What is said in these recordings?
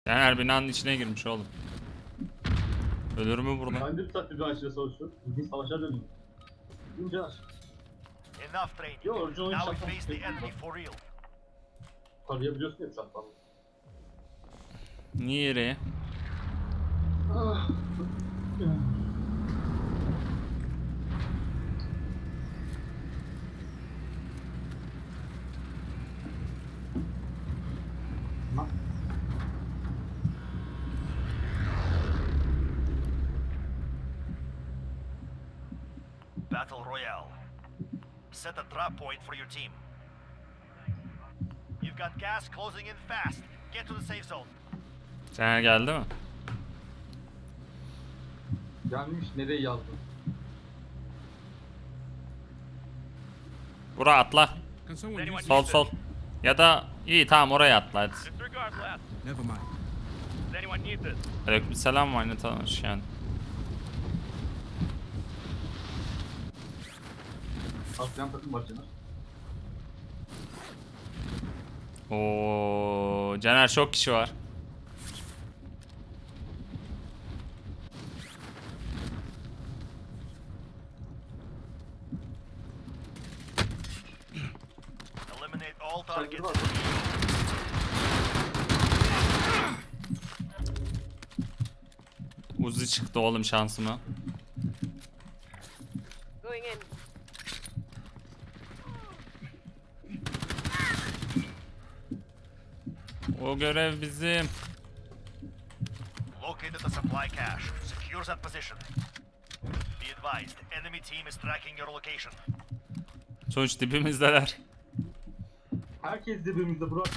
Caner binanın içine girmiş oğlum. Ölür mü burada? Ben de bir saattir bir ağaçla savaşıyorum. İlginç savaşa dönüyor. İnce ağaç. Enough training. Yo, original Now we shotgun face the taking enemy them. for real. Tarayabiliyorsun ya uçaktan. Niye yere? Ah. Bak. Battle Royale. Set a drop point for your team. You've got gas closing in fast. Get to the safe zone. Caner geldi mi? Gelmiş nereye yazdın? Bura atla. Can someone Anyone use Sol sol. Ya da iyi tamam oraya atla hadi. Disregard left. Never mind. Does anyone need this? Aleykümselam var ne tanış yani. Aslan takım var Caner. Oo, Caner çok kişi var. Eliminate all Saygı targets. var. Uzi çıktı oğlum şansıma. Going in. O görev bizim. Located the supply cache. Secure that position. Be advised, enemy team is tracking your location. Sonuç dibimizdeler. Herkes dibimizde Burak.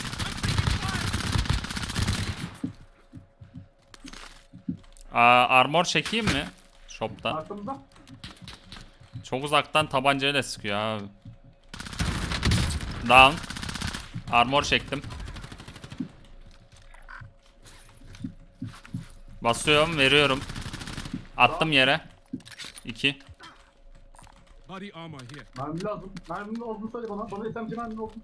Armor çekeyim mi? Shop'tan. Arkamızda. Çok uzaktan tabancayla sıkıyor abi. Down. Armor çektim. Basıyorum, veriyorum. Attım yere. 2. Body armor here. Mermi lazım. Merminin olduğunu söyle bana. Bana SMG merminin olduğunu.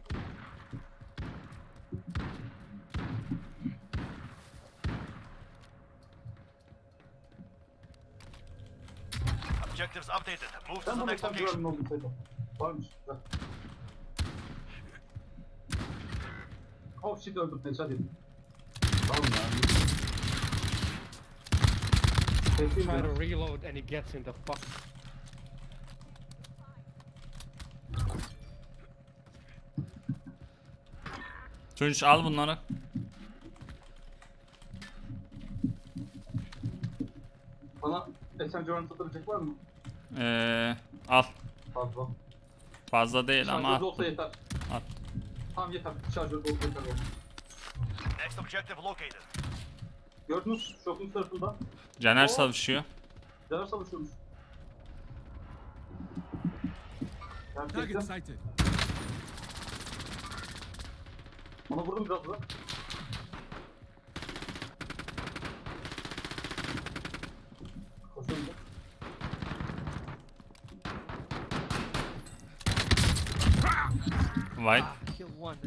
Objectives updated. Move to Sen the bana next SMG location. merminin olduğunu söyle. Varmış. Güzel. Oh shit öldüm. Headshot yedim. Tamam ya. Teslim Try ya. to reload and he gets in the fuck. Tunç al bunları. Bana SMG mermini satabilecek var mı? Al. Fazla. Fazla değil ama Şarjörde al. olsa yeter. Al. Tamam yeter. Şarjörde olsa yeter. oğlum. Next objective located. Gördünüz şokun tarafında. Caner Oo. savaşıyor. Caner savaşıyormuş. Target Gerçekten. sighted. Ona vurdum biraz da. Koşuyorum da. White. Kill one.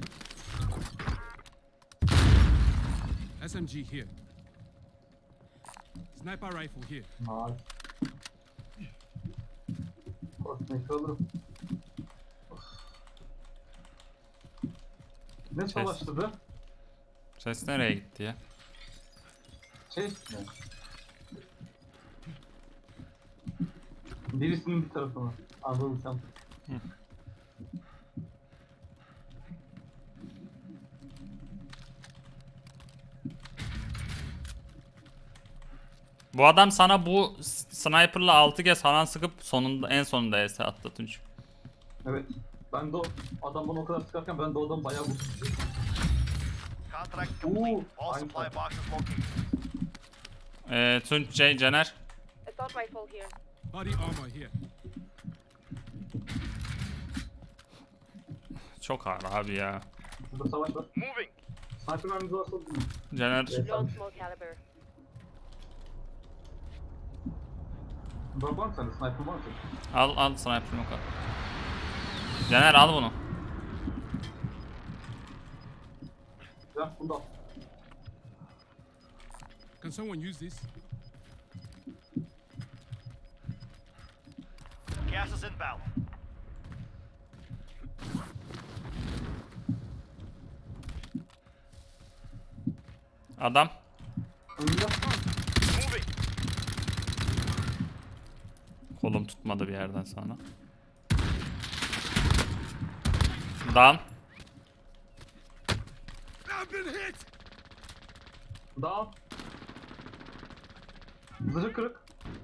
SMG here. Sniper rifle here. Nice. Koşmayı alırım. Of. Ne savaştı be? Ses nereye gitti ya? Şey mi? Birisinin bir tarafına. Anladım sen. Bu adam sana bu sniper'la 6 kez falan sıkıp sonunda en sonunda ES attı Tunç. Evet. Ben de o adam bana o kadar sıkarken ben de o adamı bayağı vurdum. Contract complete. All I'm supply fine. boxes located. Tunç, Caner. Assault rifle here. Body armor here. Çok ağır abi ya. Burada savaş var. Moving. Sniper mermimiz varsa vurun. Caner Evet. Long small caliber. Var mı sende? Sniper var mı? al sniper'ını al. Caner al bunu. Ya bunu da al. Can someone use this? Gas is inbound. Adam. Önünde. Moving. Kolum tutmadı bir yerden sonra. Down. I've been hit! Down. Zırhı kırık.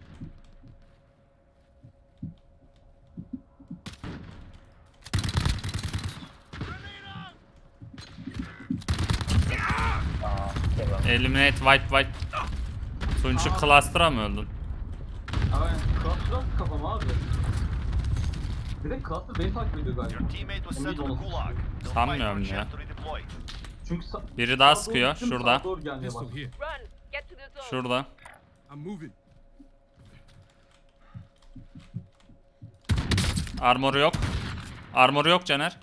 Eliminate wipe. Tunç'u cluster'a mı öldün? Aynen. Cluster'dan kafam abi. Bir de Cluster beni takip ediyor galiba. Your teammate was sent to the gulag. They'll fight for a Sanmıyorum ya. chance to redeploy. Çünkü Biri daha sağa doğru sıkıyor, gittim, şurada. sağa doğru gelmeye Pistol başladı. here. Run! Get to the zone. Şurada. I'm moving. Armoru yok. Armoru yok Caner.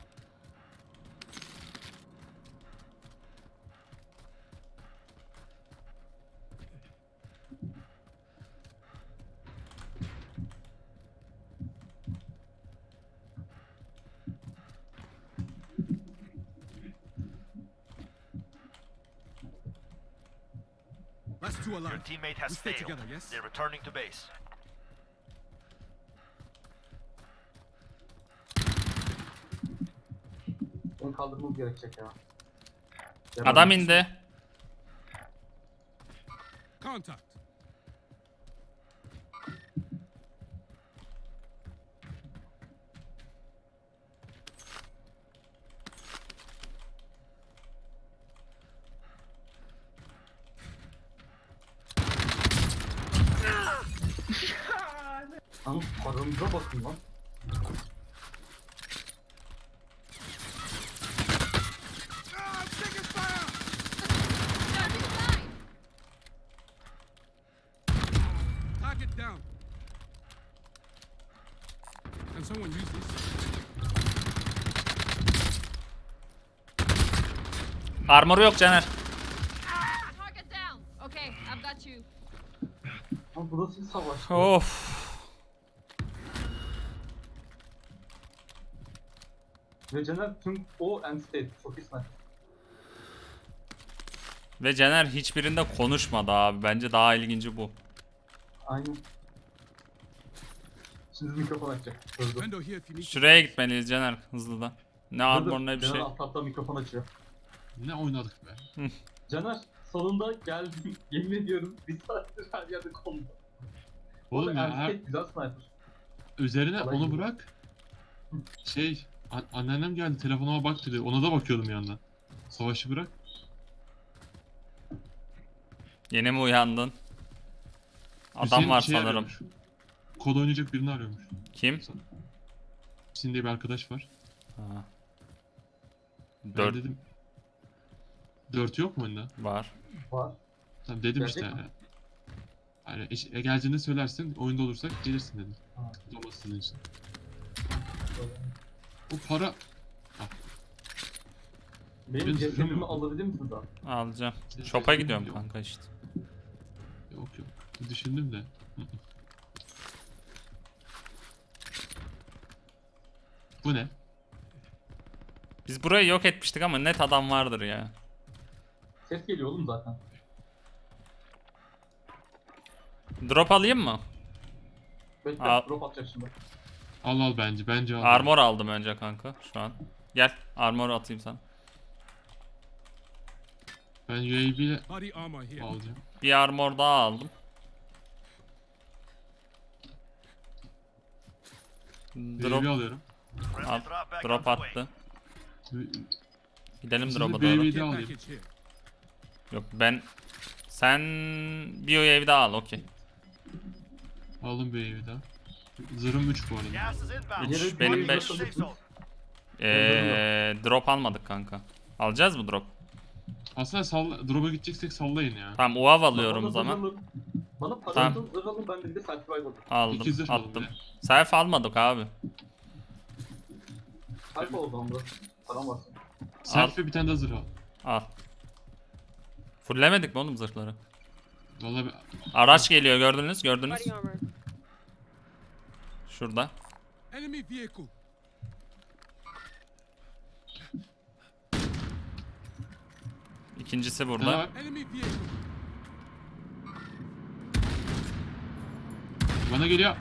Last two Your alive. teammate We has stay failed. together, yes? They're returning to base. Beni kaldırmamız gerekecek ya. Adam indi. Contact. Lan paramıza bakın lan. Ah, I'm taking fire! Target down. Can someone use this? Armoru yok Caner. Target down. Okay, I've got you. Lan burası bir savaş. Of. Ve Caner tüm o end state. Çok iyi sniper. Ve Caner hiçbirinde konuşmadı abi. Bence daha ilginci bu. Aynen. Şimdi mikrofon açacak. Dur dur. Vendor here if you need. Şuraya gitmeliyiz Caner hızlıdan. Ne armor ne bir Caner şey. alt mikrofon açıyor. Ne oynadık be. Caner salonda geldim. Yemin ediyorum bir saattir her yerde kondu. Oğlum ya her, Güzel sniper. üzerine Kolay onu gibi. bırak. Anneannem geldi telefonuma bak dedi. Ona da bakıyordum yandan. Savaşı bırak. Yeni mi uyandın? Adam Hüseyin var şey sanırım. arıyormuş. Kod oynayacak birini arıyormuş. Kim? Hüseyin diye bir arkadaş var. Ha. Ben 4 dedim. 4 yok mu oyunda? var. Var. Tamam dedim Gelecek işte. mi? Yani geleceğini söylersin, oyunda olursak gelirsin dedim. Ha. Olması sizin için. O para... Benim Benim cesedimi sürüm- alabilir misin daha? Alacağım. Senin Shop'a sesini gidiyorum biliyorum. kanka işte. Yok yok. Düşündüm de. Hı hı. Bu ne? Biz burayı yok etmiştik ama net adam vardır ya. Ses geliyor oğlum zaten. Drop alayım mı? Bekle Al. drop atacak şimdi. Al bence. Bence al. Armor aldım önce kanka şu an. Gel armor atayım sana. Ben UAV ile Body armor here. alacağım. Bir armor daha aldım. UAV Drop alıyorum. Friendly al. drop back Drop on the way. attı. Gidelim Sizi drop'a bir doğru. UAV Care alayım. package here. Yok ben... Sen bir UAV daha al okey. Aldım bir UAV daha. Zırhım 3 bu arada. Gas is inbound. Üç, Yere benim bir beş. Safe zone. Drop almadık kanka. Alacağız mı drop? Aslında drop'a gideceksek sallayın ya. Tamam UAV alıyorum o Bana zaman. zırh alın. Bana Tamam. paranızı zırh alın, ben de bir de selfie aldım. Aldım 2 zırh alın attım. bir de. Self almadık abi. Selfie oldu ama param var. Selfie bir tane daha zırh al. Al. Fullemedik mi oğlum zırhları? Vallahi Araç geliyor, gördünüz. Body armor. Şurada. Enemy vehicle. İkincisi daha burada. bak. Enemy vehicle. Bana geliyor.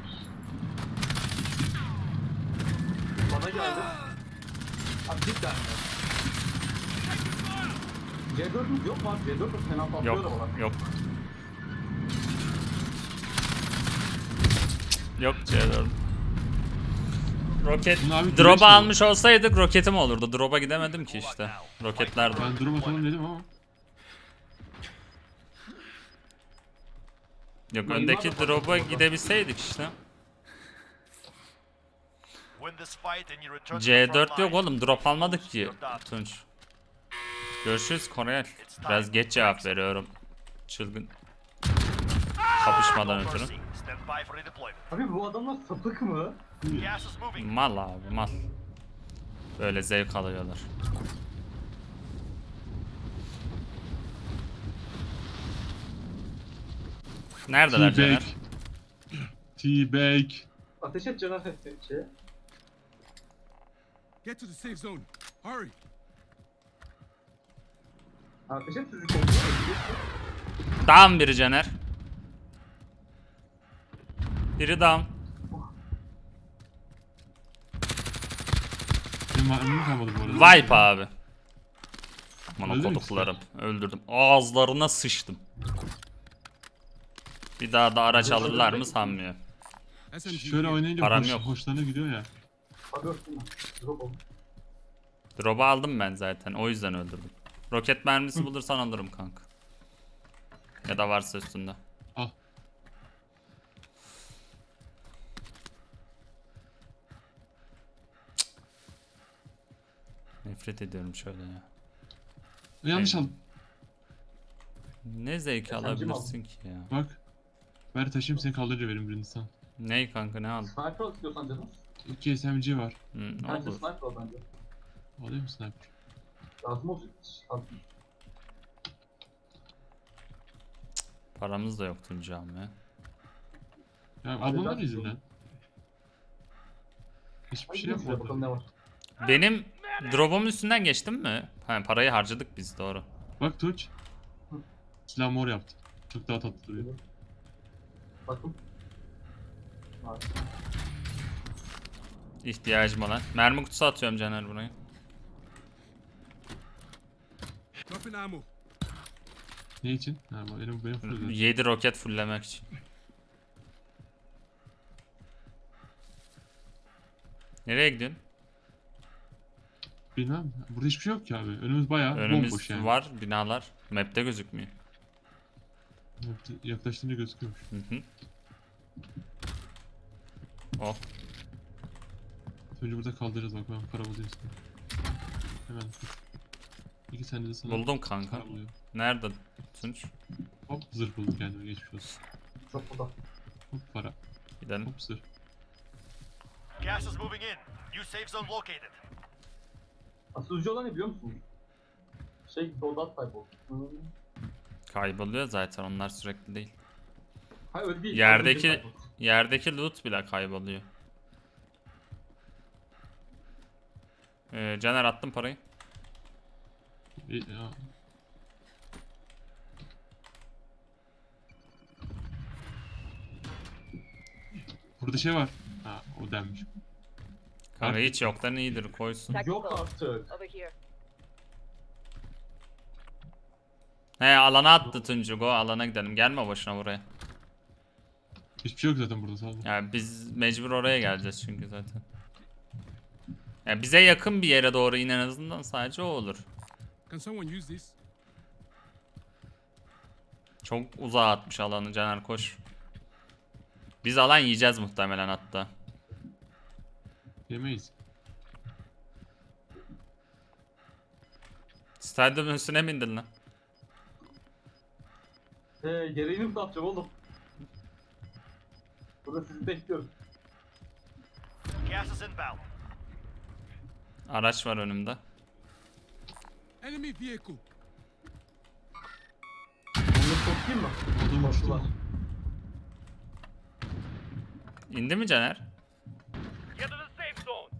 Bana geldi. Abi cidden mi? C4'ümüz yok mu abi? C4'ümüz fena patlıyor da Yok, bana. yok. Yok C4. Roket. Bunu abi güneş Drop'u mi? almış olsaydık roketim olurdu. Drop'a gidemedim ki işte. Roketler de. Ben durum atalım dedim ama. Yok, öndeki drop'a gidebilseydik işte. Win this fight and you return to the front C4 yok line. oğlum, drop almadık ki You're done. Tunç. Görüşürüz Korel. Biraz geç cevap veriyorum. Çılgın. Kapışmadan No ötürü. mercy. Stand by for redeployment. Abi bu adamlar sapık mı? Gas is moving. Mal abi, mal. Böyle zevk alıyorlar. Neredeler Caner? T-Bag. Ateş et Caner şey. Get to the safe zone. Hurry. Ateş et sizi kontrol ediyor. Down biri Caner. Biri down. Benim mermim kalmadı bu arada. Wipe abi. Bana Öldün mü koduklarım. Öldürdüm. Ağızlarına sıçtım. Bir daha da araç alırlar mı sanmıyorum. SMG. Şöyle here. oynayınca Param yok. hoşlarına gidiyor ya. Abi öptüm ben. Drop oldu. Drop'u aldım ben zaten. O yüzden öldürdüm. Roket mermisi bulursan alırım kanka. Ya da varsa üstünde. Al. Nefret ediyorum şöyle ya. Yanlış aldım. Ne zevk SMG mi alabilirsin ki ya? Bak. Ver taşıyayım seni kaldırır verim birini sana. Ney kanka, ne aldın? Sniper al istiyorsan canım. 2 SMG var. Hı, Bence olur. sniper al bence. Alayım mı sniper? Lazım olacak. Al. Paramız da yok Tuncam ya. Ya Hadi ablamlar lan. yüzünden. Hiçbir Hadi şey gidelim şuraya, bakalım yapmadı. ne var. Benim drop'um üstünden geçtim mi? Ha, parayı harcadık biz, doğru. Bak Tunç. Silah mor yaptı. Çok daha tatlı duruyor. Bakın. Var. İhtiyacım olan. Mermi kutusu atıyorum Caner buraya. Dropping ammo. Ne için? Ha bak benim full. 7 roket fulllemek için. Nereye gidiyorsun? Bilmem. Burada hiçbir şey yok ki abi. Önümüz bayağı Önümüz bomboş yani. var, binalar. Map'te gözükmüyor. Yaklaştığında gözüküyormuş. Hı hı. Oh. Önce burada kaldıracağız bak ben para bulayım sana. Hemen. 2 tane de sana Buldum kanka. para buluyorum. Nerede Tunç? Hop zırh buldum kendime geçmiş olsun. Çok burada. Hop para. Gidelim. Hop zırh. Gas is moving in. New safe zone located. Asıl üzücü olan ne biliyor musun? Dodat kaybol. Kayboluyor zaten, onlar sürekli değil. Hayır öyle değil. Yerdeki yerdeki loot bile kayboluyor. Caner, attım parayı. Ya. Burada şey var. Ha o denmiş. Kanka Artık- hiç yoktan iyidir, koysun. Yok artık. Over here. He, alana attı Tuncu, go alana gidelim. Gelme boşuna buraya. Hiçbir şey yok zaten burada sağ olun. Yani biz mecbur oraya geleceğiz çünkü zaten. Yani bize yakın bir yere doğru in, en azından sadece o olur. Can someone use this? Çok uzağa atmış alanı Caner, koş. Biz alan yiyeceğiz muhtemelen hatta. Yemeyiz. Stadyumun üstüne mi indin lan? Gereğini mi satacağım oğlum? Burada sizi bekliyorum. Gas is inbound. Araç var önümde. Enemy vehicle. Onu çok Çıkayım mı? Adam uçtu Koştular. mu? İndi mi Caner? Get to the safe zone.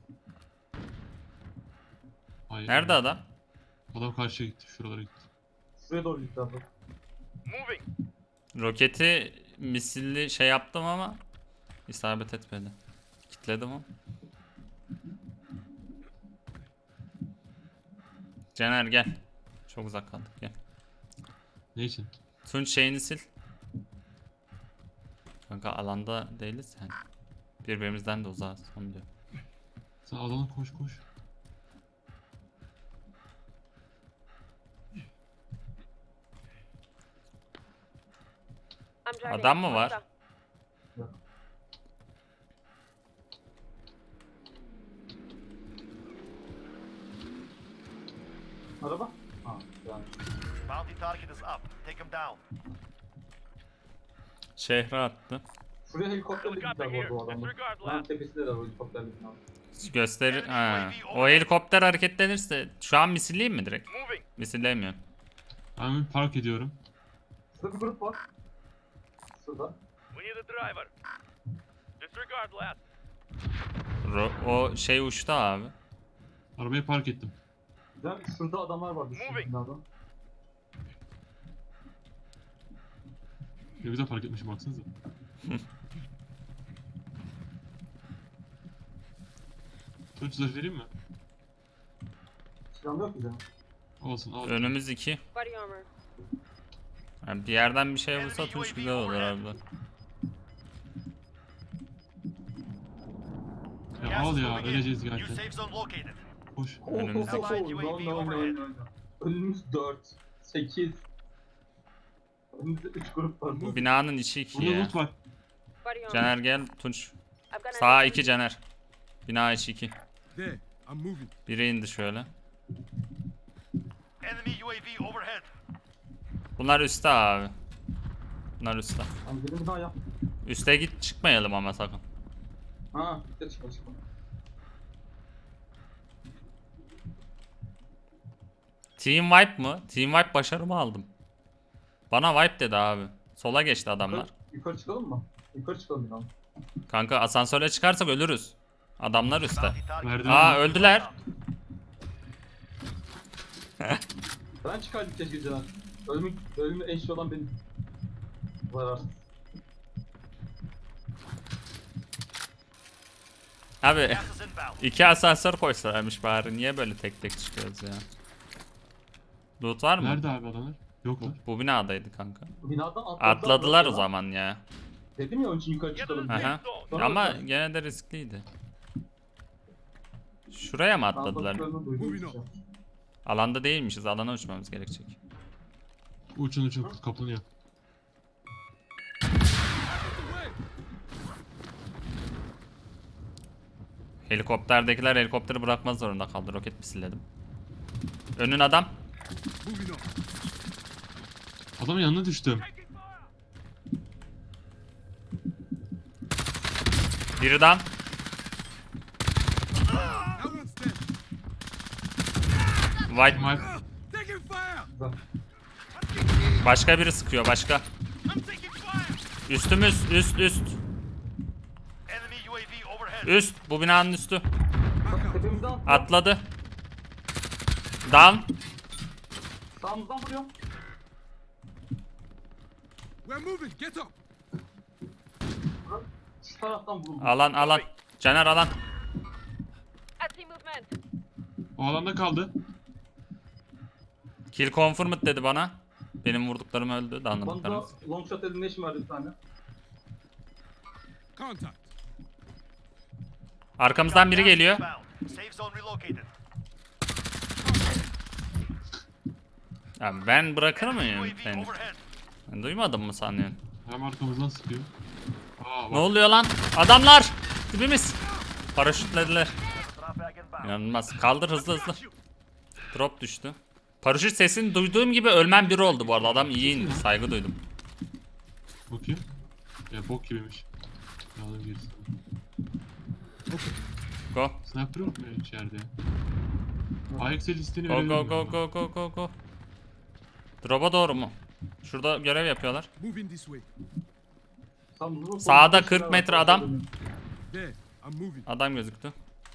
Hayır. Nerede adam? Adam karşıya gitti. Şuralara gitti. Şuraya doğru gitti abi. Moving. Roketi misilli şey yaptım ama isabet etmedi. Kitledim ama. Caner gel. Çok uzak kaldık gel. Ne için? Tunç şeyini sil. Kanka alanda değiliz yani. Birbirimizden de uzağız onu diyor. Sen alana koş koş. I'm driving. Adam mı var? Hostile. Araba? Ha, yani. Bounty target is up. Take him down. Şehre attı. Şuraya helikopterle Helicopter gittiler bu here. arada adamlar. Disregard Lan last. tepesinde de o helikopterle gittiler. Gösterir. Ha. O helikopter hareketlenirse şu an misilleyeyim mi direkt? Moving. Misillemiyorum. Ben bir park ediyorum. Şurada bir grup var. Şurada. We need a driver. Disregard last. O şey uçtu abi. Arabayı park ettim. Güzel. Şurada adamlar var. Şu Moving. binada. Ne güzel park etmişim baksanıza. Tunç zırh vereyim mi? Silahım yok ki canım. Olsun al. Önümüz 2. Body armor. Yani bir yerden bir şey vursa Tunç güzel olur abi. Ya Gas al is ya moving in. öleceğiz New gerçekten. safe zone located. Koş. Önümüzdeki- Önümüz 4, 8. Önümüzde 3 grup var. Bu binanın içi 2 Burada ya. loot var. Body armor. Caner gel Tunç. I've got Sağ an 2 Caner. Bina içi 2. There. I'm moving. Biri indi şöyle. Enemy UAV overhead. Bunlar üstte abi. Bunlar üstte. Hani benim daha yap. Üste git çıkmayalım ama sakın. Ha, bir de çıkma çıkma. Team wipe mı? Team wipe başarımı aldım. Bana wipe dedi abi. Sola geçti adamlar. Yukarı çıkalım mı? Yukarı çıkalım bir an. Kanka asansöre çıkarsak ölürüz. Adamlar üstte. Bounty target. Merdiven. Aa öldüler. Ben çıkardım keşke Caner. Ölümü en şey olan benim. Zararsız. Abi Gas is inbound. 2 asansör koysalarmış bari. Niye böyle tek tek çıkıyoruz ya? Loot var mı? Nerede abi adamlar? Yoklar. Bu binadaydı kanka. Binadan Atladılar o zaman ya. Dedim ya onun için yukarı Get to the çıkalım. Aha. safe zone. Sonra Ama bakalım. gene de riskliydi. Şuraya mı atladılar? Atladıklarını duydum Moving işte. Alanda değilmişiz. Alana uçmamız gerekecek. Uçun uçun kaplanıyor. Helikopterdekiler helikopteri bırakmaz zorunda kaldı. Roket misilledim. Önün adam. Moving on. Adamın yanına düştüm. Biri down. That one's dead. White. Mike Taking fire. Güzel. Başka biri sıkıyor. Başka. I'm taking fire. Üstümüz. Üst. Enemy UAV overhead. Üst. Bu binanın üstü. Back up. Tepemizden atla. Atladı. Down. Sağımızdan vuruyor. We're moving. Get up. Şu taraftan vuruldu. Alan. Caner alan. I see movement. o alanda kaldı. Kill confirmed dedi bana. Benim vurduklarım öldü. Bana Anladıklarımız. long shot elimination verdi bir tane. Contact. Arkamızdan biri geliyor. Inbound. Safe zone relocated. Ya ben bırakır Enemy mıyım UAV seni? overhead. Ben duymadım mı sanıyorsun? Hem arkamızdan sıkıyor. Aa Ne bak. oluyor lan? Adamlar! Dibimiz. Paraşütlediler. Traffic inbound. İnanılmaz. Kaldır hızlı. Drop düştü. Paraşüt sesini duyduğum gibi ölmem biri oldu bu arada. Adam iyi indi. Saygı duydum. Bakayım. Ya bok gibiymiş. Aldım gerisi. Go. Sniper yok mu ya içeride? AXL listeni Go verebilirim. go go go go go go. Drop'a doğru mu? Şurada görev yapıyorlar. Moving this way. Tam bunu Sağda kontrol 40 metre adam. There. I'm moving. Adam gözüktü.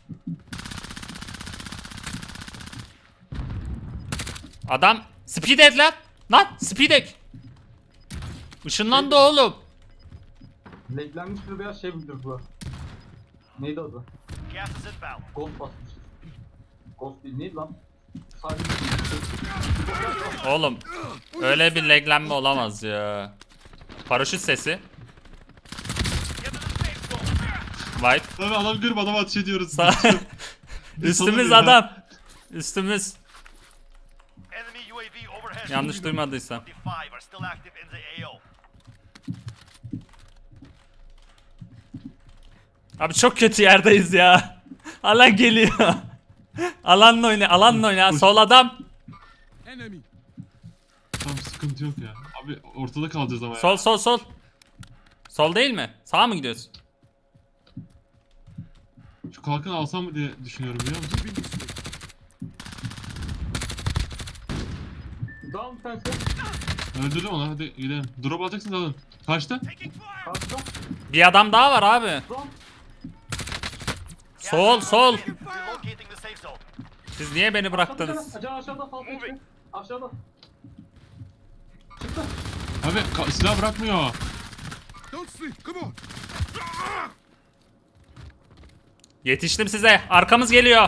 Adam speed et lan. Lan speed et. Işınlandı oğlum. Leklenmiş bir beyaz şey bildir bu. Neydi adı? Gas is inbound. Ghost basmıştır. Ghost değil neydi lan? Sadece Oğlum öyle bir laglenme olamaz ya. Paraşüt sesi. Get to the safe zone. White. Abi adam görüp adama ateş ediyoruz. Üstümüz ya. adam. Üstümüz. Enemy UAV overhead. Yanlış duymadıysam. 25 are still active in the AO. Abi çok kötü yerdeyiz ya. Alan geliyor. Alanla oyna, alanla oyna. Sol adam. Enemy. Tamam sıkıntı yok ya. Abi ortada kalacağız ama ya. Sol sol sol. Sol değil mi? Sağa mı gidiyorsun? Şu kalkanı alsam mı diye düşünüyorum biliyor musun? Moving this way. down fence. Öldürdüm onu hadi gidelim. Drop alacaksınız alın. Kaçta? Taking fire. Karşıda. Bir adam daha var abi. Down. Sol sol. Relocating the safe zone. Siz niye beni bıraktınız? Aşağıda fazla çıkıyor. Aşağıda. Çıktı. Abi silah bırakmıyor. Don't sleep. Come on. Yetiştim size. Arkamız geliyor.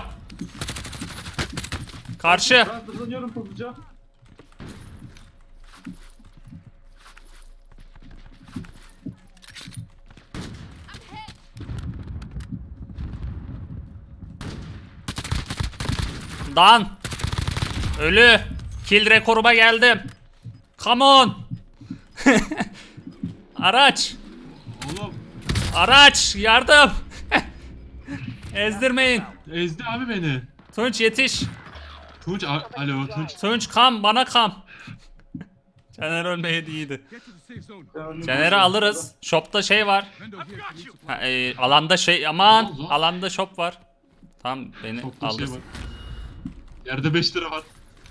Karşı. Ben hızlanıyorum hızlıca. Dan. Ölü. Kill rekoruma geldim. Come on. Araç. Oğlum Araç. Yardım. Ezdirmeyin. ezdi abi beni. Tunç yetiş. Tunç alo Tunç. Tunç kam bana kam. Caner ölmeyeydi iyiydi. Get to the safe zone. Caner'i alırız. Shop'ta şey var. Vendor here. Can you supply? Ha, alanda şey aman. Olmaz o. Alanda shop var. Tamam beni Çok da şey aldı. var. Yerde 5 lira var.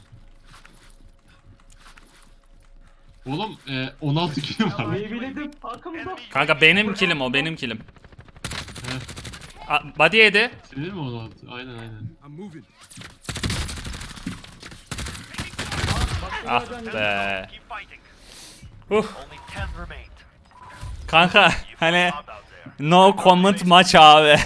Oğlum 16 kilo var. Meyveledim. Arkamızda. Enemy Kanka benim killim o benim killim. He. Body yedi. Senin mi 16? Aynen aynen. I'm moving. Ah be. keep fighting. Huh. Only 10 remained. Kanka You hani found out there. no comment maç abi.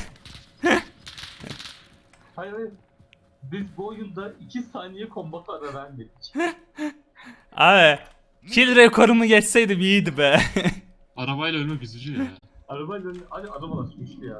Hayır hayır. Biz bu oyunda 2 saniye kombat ara vermedik. Abi kill rekorumu geçseydim iyiydi be. Arabayla ölmek üzücü ya. Arabayla hadi adam ulaşmıştı ya.